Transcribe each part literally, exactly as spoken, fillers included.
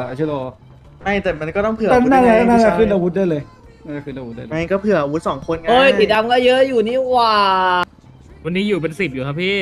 เชโลไม่แต่มันก็ต้องเผื่อแต่น่าจะน่าจะผู้ชยขึ้นอาวุธได้เลยน่าจะขึ้นอาวุธได้เลยไม่ก็เผื่ออาวุธสองคนไงเฮ้ยสีดำก็เยอะอยู่นี่หว่าวันนี้อยู่เป็นสิบอยู่ครับพี่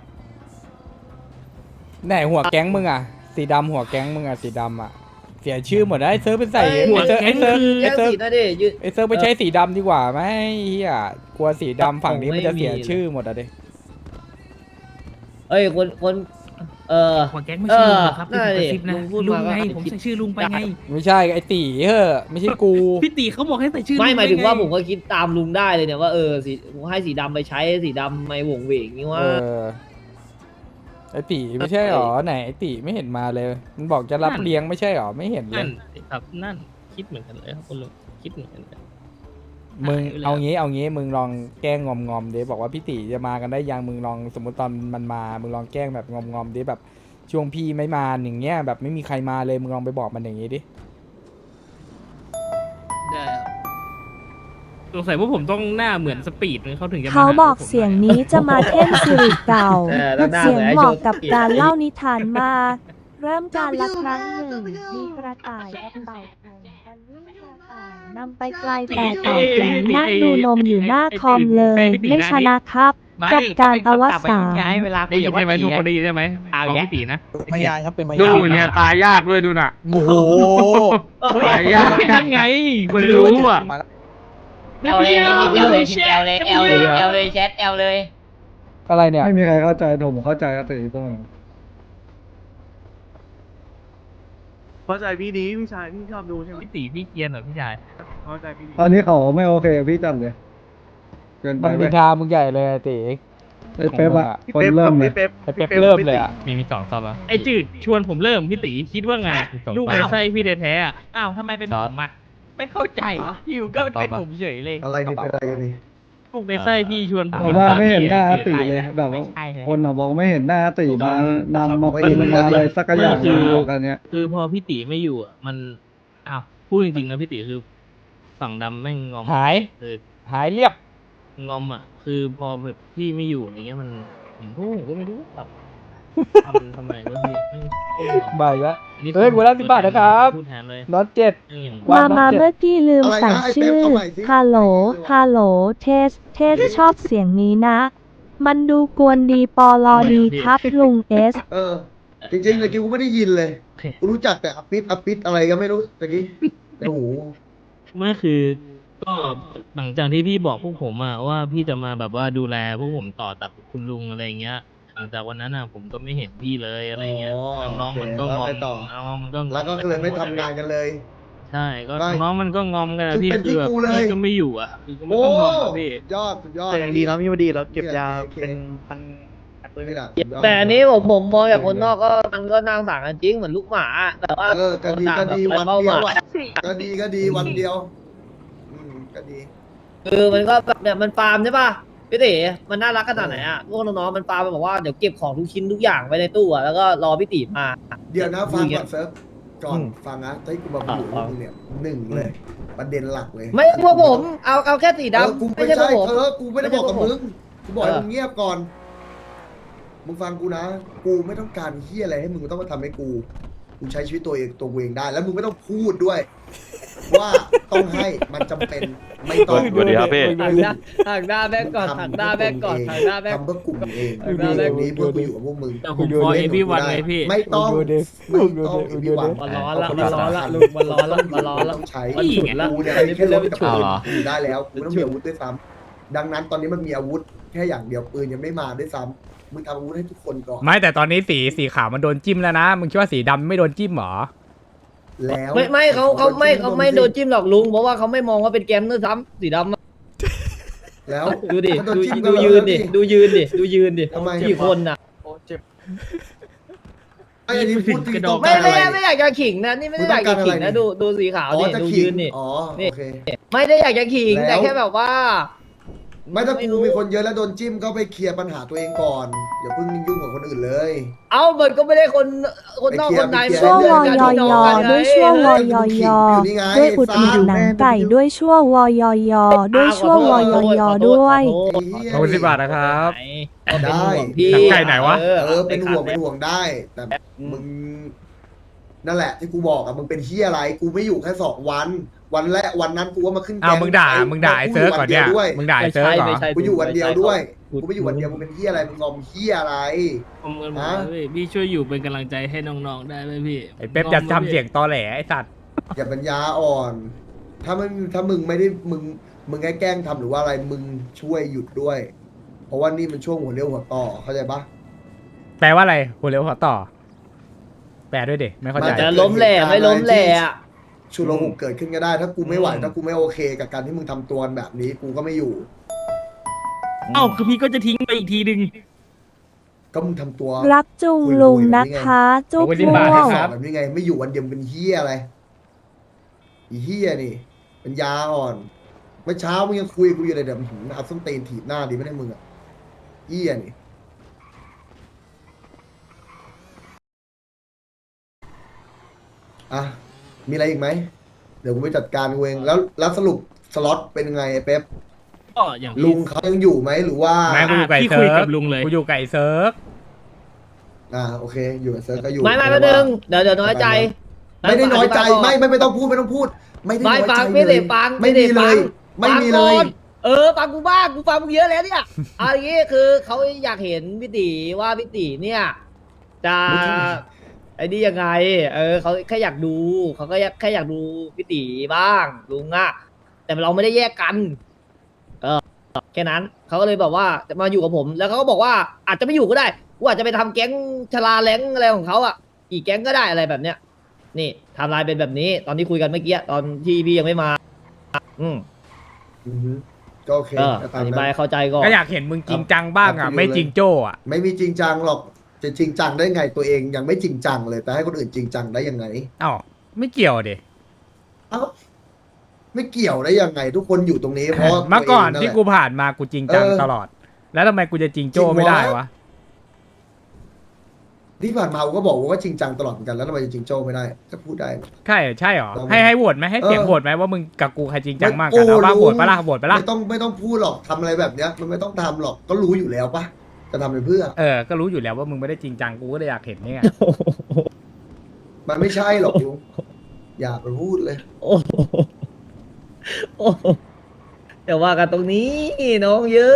ไหนหัวแก๊งมึงอ่ะสีดำหัวแก๊งมึงอ่ะสีดำอ่ะเสียชื่อหมดนะไอ้เซิร์ฟเป็นใส่หัวไอ้เซิร์ฟแก๊ไอ้งเซิร์ฟคือไอ้เซิร์ฟแยกสีนะดิยืนไอ้เซิร์ฟไปใช้สีดำดีกว่าไหมเฮียกลัวสีดำฝั่งนี้มันจะเสียชื่อหมดอ่ะดิเอ้ยคนคนเออหัวแก๊งไม่ใช่ลุงเหรอครับเออเป็นกระซิบนะลุงพูดลุงมาก็ไงอาจจะผมคิดใส่ชื่อลุงไปไงไม่ใช่ไอ้ตีเฮ้อไม่ใช่กูพี่ตีเขาบอกให้ใส่ชื่อไม่ลุงหมายถึงด้ว่าไผมก็คิดตามลุงได้เลยเนี่ยว่าเออสีให้สีดำไปใช้สีดำไม่หวงเหวงนี่เอว่าอไอ้ตีไม่ใช่หรอไหนไอ้ตีไม่เห็นมาเลยมันบอกจะรับเลี้ยงไม่ใช่หรอไม่เห็นเลนั่ยนครับนั่นคิดเหมือนกันเลยครับคุณลุงคิดเหมือนกันเลยมึงหายไปแล้วเอางี้เอางี้มึงลองแกล้งงอมงอมๆดิบอกว่าพี่ตีจะมากันได้ยังมึงลองสมมติตอนมันมามึงลองแกล้งแบบงอมงอมๆดิแบบช่วงพี่ไม่มาอย่างเงี้ยแบบไม่มีใครมาเลยมึงลองไปบอกมันอย่างงี้ดิสงสัยว่าผมต้องหน้าเหมือนสปีดเขาถึงจะมเขาหบอกผมเสียงนี้จะมาเท่นสิริเก่าเออแล้วหน้าเสียงเหมือนไอ้เหมาะโจ๊กกับการเล่านิทานมาก เริ่มการละครั้งหนึ่ง มีกระต่ายกับเต่าแข่งกันวิ่งกระต่ายนำไปไกลแต่เต่าแข็งนั่งดูนมอยู่หน้าคอมเลย ไม่ชนะครับจบการอวสานเวลาได้ยินใช่ไหมทุกคนได้ยินใช่ไหมของพี่ตีนะพยานครับเป็นพยานดูเนี่ยตายยากด้วยดูน่ะโอ้โหตายยากนั่นไงคนรู้อ่ะเอลเลยเอลเลยเอลเลยเอลเลยเอลเลยแชทเอลเลยอะไรเนี่ยไม่มีใครเข้าใจผมเข้าใจก็ตีต้องเข้าใจพี่ดีพี่ชายพี่ชอบดูใช่ไหมพี่ตีพี่เกียนเหรอพี่ชายเข้าใจพี่ดีตอนนี้เขาไม่โอเคกับพี่จังเลยเกินไปมันไหมดินทามึงใหญ่เลยอะตีไอ้เป๊ปอะพี่คนเป๊ปเริ่มคเลรัยบพี่เป๊ปไอ้เป๊ปเริ่มเลยอ่ะมีมีสองซับอ่ะไอจืดชวนผมเริ่มพี่ตีคิดว่าไงลูกในไส้พี่แท้ๆอ่ะอ้าวทำไมเป็นผมอ่ะไม่เข้าใจอยู่ก็เป็นผมเฉยเลยอะไรนี่เป็นอะไรกันนี่ลูกในไส้พี่ชวนผมผมว่าไม่เห็นหน้าตีเลยแบบว่าไม่ใช่เลยคนอะบอกไม่เห็นหน้าตีมานำมาปีนมาอะไรสักอย่างเดียวกันเนี้ยคือพอพี่ตีไม่อยู่อ่ะมันอ้าวพูดจริงๆนะพี่ตีคือฝั่งดำแม่งงอมหายคือหายเรียบงอมอ่ะ คือพอแบบพี่ไม่อยู่อย่างเงี้ยมันผมก็ผมก็ไม่รู้แบบทำทำไมวะพี่ไม่ไม่งอมบ่ายแล้วนี่เฮ้ยกูรับสิบบาทนะครับพูดแทนเลยน็อตเจ็ดเรื่องอย่างว่ามา มาเมื่อกี้ลืมสั่งชื่อ ฮัลโหล ฮัลโหล เทส เทสชอบเสียงนี้นะ มันดูกวนดีปอลอดีครับลุงเอสเออ จริงๆตะกี้กูไม่ได้ยินเลยโอเคกูรู้จักแต่อปิดอปิดอะไรก็ไม่รู้ตะกี้โอ้โหไม่คือก็หลังจากที่พี่บอกพวกผมอะว่าพี่จะมาแบบว่าดูแลพวกผมต่อจากคุณลุงอะไรเงี้ยหลังจากวันนั้นอะผมก็ไม่เห็นพี่เลยอะไรเงี้ยอ๋อน้องๆมันก็งอมโอเคแล้วไปต่อน้องๆมันก็งอมแล้วก็เลยไม่ทำงานกันเลยใช่ก็ไม่น้องมันก็งอมกันอะคือพี่เป็นที่คือแบบกูเลยพี่ก็ไม่อยู่อะพี่ก็ไม่โอ้ต้องงอมอะพี่ยอดสุดยอดแต่ยังดีนะพี่พอดีเราเก็บยาโอเคเป็นพันปืนนี่แหละแต่อันนี้ผมผมมองจากคนนอกก็มันก็น่าสงสารกันจริงเหมือนลูกหมาแต่ว่าเออก็ดีก็ดีวันเดียวอะก็ดีก็ดีวันเดียวอืมก็ดีคือมันก็แบบเนี่ยมันฟาร์มใช่ป่ะพี่ตีมันน่ารักขนาดไหนอ่ะพวกน้องๆมันฟาร์มมันบอกว่าเดี๋ยวเก็บของทุกชิ้นทุกอย่างไว้ในตู้อ่ะแล้วก็รอพี่ตีมาเดี๋ยวนะฟังก่อนเซิร์ฟก่อนอืมฟังนะที่กูมาพูดอ่ามึงเนี่ยหนึ่งเลย ประเด็นหลักเลยไม่พวกผมเอาเอาแค่สีเออดำกูไม่ไม่ใช่พวใช่กผมเออกูไม่ได้บอกกับไม่ใช่มึงกูบอกให้เออมึงเงียบก่อน มึงฟังกูนะ กูไม่ต้องการเฮียอะไรให้มึงต้องมาทำให้กู กูใช้ชีวิตตัวเองตัวกูเองได้ แล้วมึงไม่ต้องพูดด้วย ว่าต้องให้มันจำเป็นไม่ต้องสวัสดีครับพี่หักหน้าหักหน้าแม่ก่อนหักหน้าแม่ก่อนหักหน้าแม่ทำเพื่อกลุ่มเองหักหน้าแม่ตรงนี้เพื่อกูอยู่กับพวกมึงแต่ผมพอเอพี่วันไงพี่ไม่ต้องดูดิไม่ดูต้องดิเอพี่วันมันร้อนละมันร้อนละลุงมันร้อนละมันร้อนละต้องใช้มันฉุนละกูเนี่ยอันนี้แค่เป็นเรื่รองถกับฉุนปืนอยู่ได้แล้วกูไม่ต้องมีอาวุธด้วยซ้ำดังนั้นตอนนี้มันมีอาวุธแค่อย่างเดียวปืนยังไม่มาด้วยซ้ำมึงทำอาวุธให้ทุกคนก่อนไม่แต่ตอนนี้สีสีขาวมันโดนจิ้มแล้วนะมึงคิดว่าสีดำไม่โดนจิ้มเหรอแล้วไม่ไม่เขาเขาไม่เขาไม่โดนจิ้มหรอกลุงเพราะว่าเขาไม่มองว่าเป็นแกมด้วยซ้ำสีดำอะแล้วดูดิมันโดนดูจิ้มดูกันยืนดิแล้วดูยืนดิดูยืนดิทำไมกี่คนน่ะไอ้อันนี้พูดจริงต้องไม่การอะไม่ไรไม่อยากจะขิงนะนี่ไม่ได้อยากจะขิงนะดูดูสีขาวอ๋อดิจะดูขิยืงนดิอ๋อนี่โอเคไม่ได้อยากจะขิงแล้วแต่แค่แบบว่าไม่ถ้าไม่กูรู้มีคนเยอะแล้วโดนจิ้มก็ไปเคลียร์ปัญหาตัวเองก่อนอย่าเพิ่งยุ่งกับคนอื่นเลยเอ้ามันก็ไม่ได้คนคนนอกคนในไปเคลียร์ชั่ววมันอยเพื่อกัยนอพี่น้งกันไงด้วยชั่ววอยอยอด้วยอุดหนุนหนังไก่ด้วยชั่ววอยอยอด้วยชั่ววอยอยอด้วยขอโทษขอบคุณสิบบาทนะครับก็เป็นห่วงได้พี่หนังไก่ไหนวะเอเอออเป็นห่วงเป็นห่วงได้ แต่มึงนั่นแหละที่กูบอกอะมึงเป็นเฮียอะไรกูไม่อยู่แค่สองวัน วันแรกวันนั้นกูว่ามาขึ้นอ้าวแก๊มึงด่าไอ้มึงด่าไอ้เซิร์ฟก่อนเนี่ยกูอยู่วัดีวด้วยมึงด่าไอ้เซิร์ฟก่อนไม่ใช่กูอยู่วันเดียวด้วยพูกูไม่อยู่วันเดียวมึงเป็นเฮียอะไรมึงงอมเฮียอะไรผมเงินหมดฮะเลยพี่พี่ช่วยอยู่เป็นกำลังใจให้น้องๆได้ไหมพี่ไอ้เป๊ปจะทำเสียงตอแหลไอ้สัตว์อย่าปัญญาอ่อน ถ้ามึงถ้ามึงไม่ได้มึงมึงแค่แกล้งทำหรือว่าอะไรมึงช่วยหยุดด้วย เพราะว่านี่มันช่วงหัวเลี้ยวหัวต่อเข้าใจปะแปลว่าอะไรหัวเร็วหัวต่อ แปลด้วยดิไม่เข้าใจจะล้มแหล่ไม่ล้มแหล่อะชุลมุนเกิดขึ้นก็ได้ ถ้ากูไม่ไหวถ้ากูไม่โอเค กับการที่มึงทำตัวแบบนี้กูก็ไม่อยู่เอ้าคือพี่ก็จะทิ้งไปอีกทีนึงก็มึงทำตัวรักจุงลุงนะคะจุ๊บขอบคุณที่ม่มาให้วงครับแบบนี้ไงไม่อยู่วันเดียวมึงเป็นเฮียอะไรอีเฮียนี่เป็นยาอ่อนเมื่อเช้ามึงยังคุยกับกูอยู่เลยเดี๋ยวมึงเอาส้นตีนถีบหน้าดีไม่ได้มึงอ่ะเฮียนี่อ่ะมีอะไรอีกไหมเดี๋ยวกูไปจัดการกูเองแล้วแล้วสรุปสล็อตเป็นยังไงไอ้เป๊ปก็อย่างที่ลุงเขายังอยู่ไหมหรือว่าไม่กูอยู่ไก่พี่เซิคุยร์กัฟบลุงเลยกูอยู่ไก่เซิร์ฟอ่าโอเค อยู่กับเซิร์ฟก็อยู่ไม่ไม่แป๊บนึงเดี๋ยวเดี๋ยวน้อยใจไม่ได้น้อยใจไม่ไม่ไม่ต้องพูดไม่ต้องพูด ไม่ได้น้ไม่อยใจฟังเลไม่ได้ยฟังไม่มีเลยฟัไม่งมีเลยฟังก่อนเออฟังกูบ้างกูฟังมึงเยอะแล้วเนี่ยเอาอย่างงี้คือเขาอยากเห็นพี่ตีว่าพี่ตีเนี่ย จะไอ้นี่ยังไง เออเขาแค่อยากดูเขาก็แค่อยากดูพี่ตีบ้างลุงอะแต่เราไม่ได้แยกกัน เออแค่นั้นเขาก็เลยบอกว่าจะมาอยู่กับผม แล้วเขาก็บอกว่าอาจจะไม่อยู่ก็ได้กูอาจจะไปทำแก๊งชลาแรงอะไรของเขาอ่ะกี่แก๊งก็ได้อะไรแบบเนี้ย นี่ไทม์ไลน์เป็นแบบนี้ ตอนที่คุยกันเมื่อกี้ตอนที่พี่ยังไม่มา อืมอือฮึก็โอเคเออก็อตามธินั้บายนเข้าใจก่อนก็อยากเห็นมึงจริงจังบ้างอ่ะ ไม่จริงโจ้อ่ะไม่มีจริงจังหรอกจะจริงจังได้ไงตัวเองยังไม่จริงจังเลยแต่ให้คนอื่นจริงจังได้ยังไงเอ้าไม่เกี่ยวเดเอ้าไม่เกี่ยวได้ยังไง ทุกคนอยู่ตรงนี้เพราะเมื่อก่อนตัวเงที่แหละกูผ่านมากูจริงจังเออตลอด แล้วทำไมกูจะจริงโจ้ไม่ได้วะที่ผ่านมากูก็บอกว่าจริงจังตลอดเหมือนกันแล้วทำไมจะจริงโจ้ไม่ได้ก็พูดได้ใช่ใช่หรอลองให้ให้โหวตไหมให้เสียงเออโหวตไหมว่ามึงกับกูใครจริงจังมากไม่กันเอาบ้ากูโหวตปะล่ะโหวตปะล่ะไม่ต้องไม่ต้องพูดหรอกทำอะไรแบบเนี้ย มันไม่ต้องทำหรอกก็รู้อยู่แล้วปะจะทำไปเพื่อเออก็รู้อยู่แล้วว่ามึงไม่ได้จริงจังกูก็เลยอยากเห็นนี่ไงมันไม่ใช่หรอกลุงอย่าไปพูดเลยโอ้โหโอ้โหแต่ว่ากันตรงนี้น้องเยอะ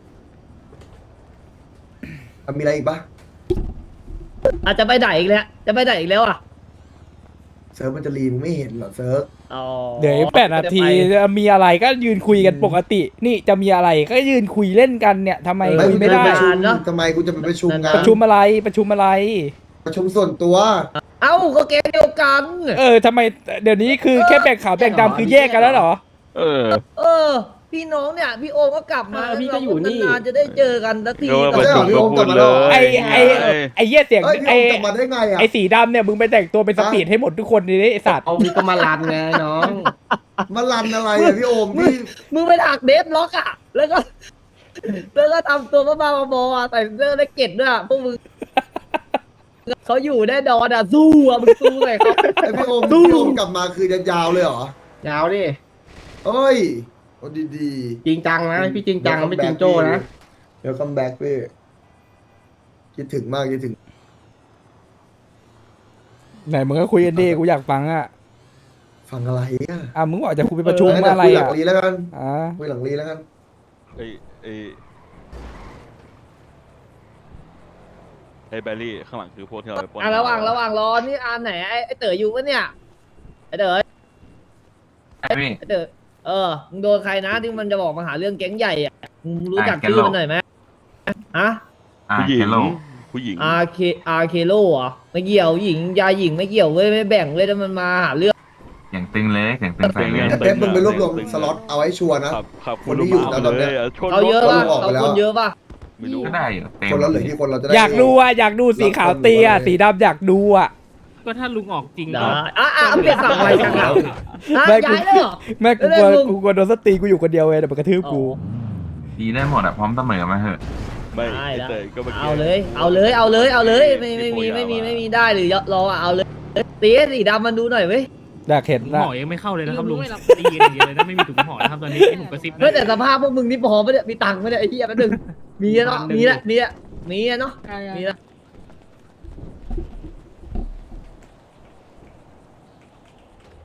มันมีอะไรอีกปะอาจจะไปไหนอีกแล้ว จะไปไหนอีกแล้วอ่ะเซิร์ฟมันจะรีมึงไม่เห็นเหรอเซิร์ฟอ๋อเดี๋ยวอีกแปดนาทีจะไปจะมีอะไรก็ยืนคุยกันปกติ นี่จะมีอะไรก็ยืนคุยเล่นกันเนี่ยทำไมคุยไม่ได้ปประชุมเนอะทำไมกูจะไปประชุมงานประชุมอะไรประชุมอะไรประชุมส่วนตัวเอ้าก็เกมเดียวกันเออทำไมเดี๋ยวนี้คือแค่แบ่งขาวแบ่งดำคือแยกกันแล้วเหรอเออเออ พี่น้องเนี่ย พี่โอมก็กลับมาเออพี่ก็อยู่นี่นานๆจะได้เจอกันสักทีเดี๋ยวไม่ใช่เหรอพี่โอมกลับมาแล้วเหรอไอไอไอเหี้ยเสียงเอ้ยพี่ไอโอมกลับมาได้ไงอ่ะไอสีดำเนี่ยมึงไปแต่งตัวเป็นสปีดให้หมดทุกคนเลยไอสัตว์เอามีก็มาลันไงน้องมาลันอะไรอ่ะพี่โอมพี่มึงไปถักเดฟล็อกอ่ะ แล้วก็ แล้วก็ทำตัวบ้าๆบอๆอ่ะใส่เสื้อได้เก็ตด้วยอ่ะพวกมึงเขาอยู่แน่นอนอ่ะสู้อ่ะมึงสู้เลยเขาไอพี่โอมสู้พี่โอมกลับมาคือจะยาวเลยเหรอยาวดิเอ้ยโอ้ดีจริงจังๆนะ พี่จริงจังไม่จริงโจ้นะเดี๋ยวคัมแบ็กพี่คิดถึงมากคิดถึงไหนมึงก็คุยกันดิกูอยากฟังอ่ะฟังอะไรอ่ะอ่ะมึงบอกจะคุยไปประชุมเดี๋ยวอะไรคุยหลัอ่ะงรีแล้วกันอ่าคุยหลังรีแล้วกันไอ้ไอ้ไอ้แบรี่ข้างหลังคือพวกที่เราไปปล้นอ่ะระหว่างระหว่างรอนี่อันไหนไอ้ไอ้เต๋ออยู่ปะเนี่ยไอ้เต๋อไอ้เต๋อเออมึงโดนใครนะที่มันจะบอกมาหาเรื่องแก๊งใหญ่อ่ะมึงรู้จักชื่อมันหน่อยไหมฮะผู้หญิงผู้หญิงอาร์เคอาร์เคโลเหรอไม่เกี่ยวหญิงยายหญิงไม่เกี่ยวเว้ยไม่แบ่งเว้ยถ้ามันมาหาเรื่องอย่างตึงเลยอย่างตึงใส่เลยไอ้เป๊ปมึงไปรวบรวมสล็อตเอาไว้ชัวร์นะขับขับคนที่อยู่แล้วตอนเนี้ยชนเขาเยอะรถป่ะออกไปเขาแล้วคนเยอะป่ะไม่รู้ก็ได้อยู่เต็มคนละเหลือกี่คนเราจะได้อยากดูอ่ะอยากดูสีขาวเตียสีดำอยากดูอ่ะก็ถ้าลุงออกจริงได้ก็อ่ะอ่ะเปลี่ยนฝั่งไปจังอ่ะอ่ะไม่กูย้ายเลยเหรอแม่กูเล่กลัวนมึงกูกลัวโดนสตรีกูอยู่คนเดียวเลยเดี๋ยวมันกระทืบกูดีได้หมดอ่ะพร้อมเสมอมาเหอะไม่ได้ไอ้แล้วเตยก็มื่กี้เอาเลย เอาเลยเอาเลยเอาเลยไม่ไม่มีไม่มีไม่มีได้หรือรออ่ะเอาเลยตีให้สีดำมันดูหน่อยเว้ยอยากเห็นถุงนะห่อยังไม่เข้าเลยนะครับลุงตีกันอย่างเดียวเลยนะไม่มีถุงห่อนะครับตอนนี้ให้ผมกระซิบนะเฮ้ยแต่สภาพพวกมึงนี่พอไม่ได้มีตังค์ไม่ได้ไอ้เหี้ยแป๊บนึงมีอะเนาะมีละมีละมีอะเนาะมีละ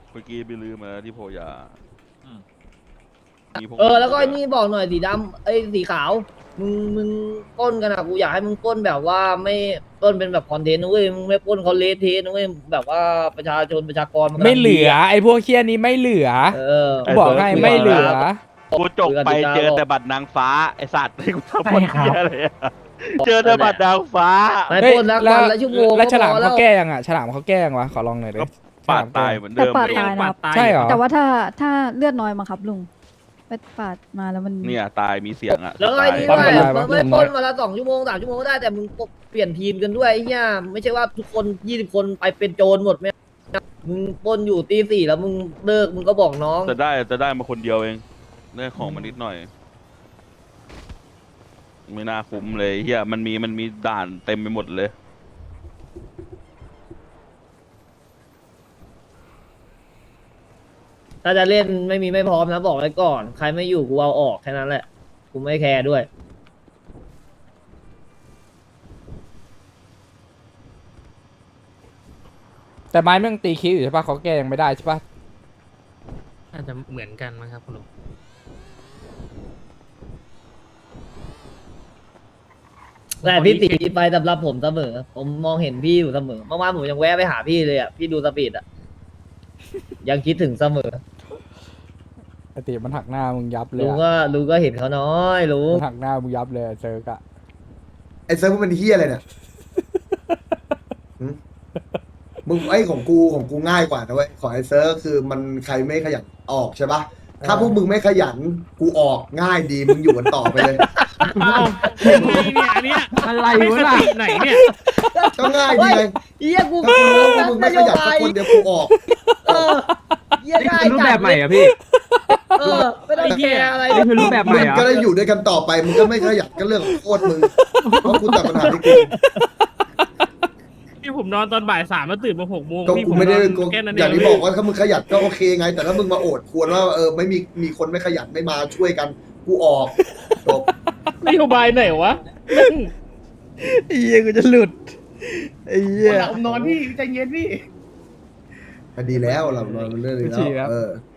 เมื่อกี้ไปลืมมาที่โพยามีพเออแล้วก็ไอ้นี่บอกหน่อยสีดำไอ้ยสีขาวมึงมึงปล้นกันอะกูอยากให้มึงปล้นแบบว่าไม่ปล้นเป็นแบบคอนเทนต์นะเว้ยมึงไม่ปล้นเขาเละเทะนะเว้ยแบบว่าประชาชนประชากรนกำลังไม่เหลือไอ้พวกเคี้ยนี้ไม่เหลือเออกูบอกให้ไม่เหลือกูจบไปเจอแต่บัตรนางฟ้าไอสัตว์ที่กูทำคนเหี้ยอะไรอะเจอแต่บัตรนางฟ้าไม่เฮ้ยปล้นแล้ววันละชั่วโมงแล้วฉลามก็พอเขาแก้ยังอ่ะฉลามเขาแก้ยังวะขอลองหน่อยดิก็ปาดตายเหมือนแต่เดิมปาดเลยตายนะครับใช่เหรอแต่ว่าถ้าถ้าเลือดน้อยมาครับลุงไปปาดมาแล้วมันเนี่ยตายมีเสียงอ่ะแล้วไอ้นี่ปั๊ด้มวยเป็นไรวะมึงไม่เรื่องปน้ล้อยนมาละสองชั่วโมงสามชั่วโมงก็ได้แต่มึงเปลี่ยนทีมกันด้วยไอ้เหี้ยไม่ใช่ว่าทุกคนยี่สิบคนไปเป็นโจรหมดไม่มึงปล้นอยู่ตีสี่แล้วมึงเลิกมึงก็บอกน้องจะได้จะได้มาคนเดียวเองได้ของมานิดหน่อย ไม่น่าคุ้มเลยเฮียมันมีมันมีด่านเต็มไปหมดเลยถ้าจะเล่นไม่มีไม่พร้อมนะบอกไว้ก่อน ใครไม่อยู่กูเอาออกแค่นั้นแหละกูไม่แคร์ด้วยแต่ไม้แม่งตีคิ้วอยู่ใช่ปะเขาแก้ยังไม่ได้ใช่ปะอาจจะเหมือนกันมั้งครับคุณลุงแต่พี่ติมีไปสำหรับผมเสมอ ผมมองเห็นพี่อยู่เสมอเมื่อวานผมยังแวะไปหาพี่เลยอ่ะพี่ดูสปีดอ่ะ ยังคิดถึงเสมอไอติมันหักหน้ามึงยับเลยลุงอะก็ลุงก็เห็นเขาน้อยลุงมันหักหน้ามึงยับเลยเจอกะไอ้เซิร์ฟมึงเป็นเฮียอะไรเนี่ยหึมึงไอ้ของกูของกูง่ายกว่านะเว้ยของไอ้เซิร์ฟคือมันใครไม่ขยันออกใช่ปะถ้าพวกมึงไม่ขยันกูออกง่ายดีมึงอยู่กันต่อไปเลยอ้าวยังไงเนี่ยอันเนี้ยอะไรวะล่ะสติไหนเนี่ยก็ง่ายดีไงเฮียกูถ้ากูรู้ว่ามึงนไม่โยขยันบาสักยคนเดียวกูออกเออเฮียนี่ได้คือรูปแบบใหม่เหรอะพี่เออไม่ต้องแคร์อะไรนี่คือรูปแบบใหมึม่งเหรก็อได้อยู่ด้วยกันต่อไปมึงก็ไม่ขยันก็เรื่องของโคตรมึงเพราะกูตัดปัญหาที่กูพี่ผมนอนตอนบ่ายสามแล้วตื่นมาหกโมงก็พี่กูผมไม่ได้นอนกูแค่นั้นอเอย่างที่บอกว่าถ้ามึงขยันก็โอเคไง แต่ถ้ามึงมาโอดควรว่าเออไม่มีมีคนไม่ขยันไม่มาช่วยกันกูออกจบนโยบายไหนวะแม่งไอ้เหี้ยกูจะหลุดไอ้เหี้ยนอนพี่ใจเย็นพี่ดีแล้วเราเราเรื่องนี้ฉี่ครัแล้วบเออ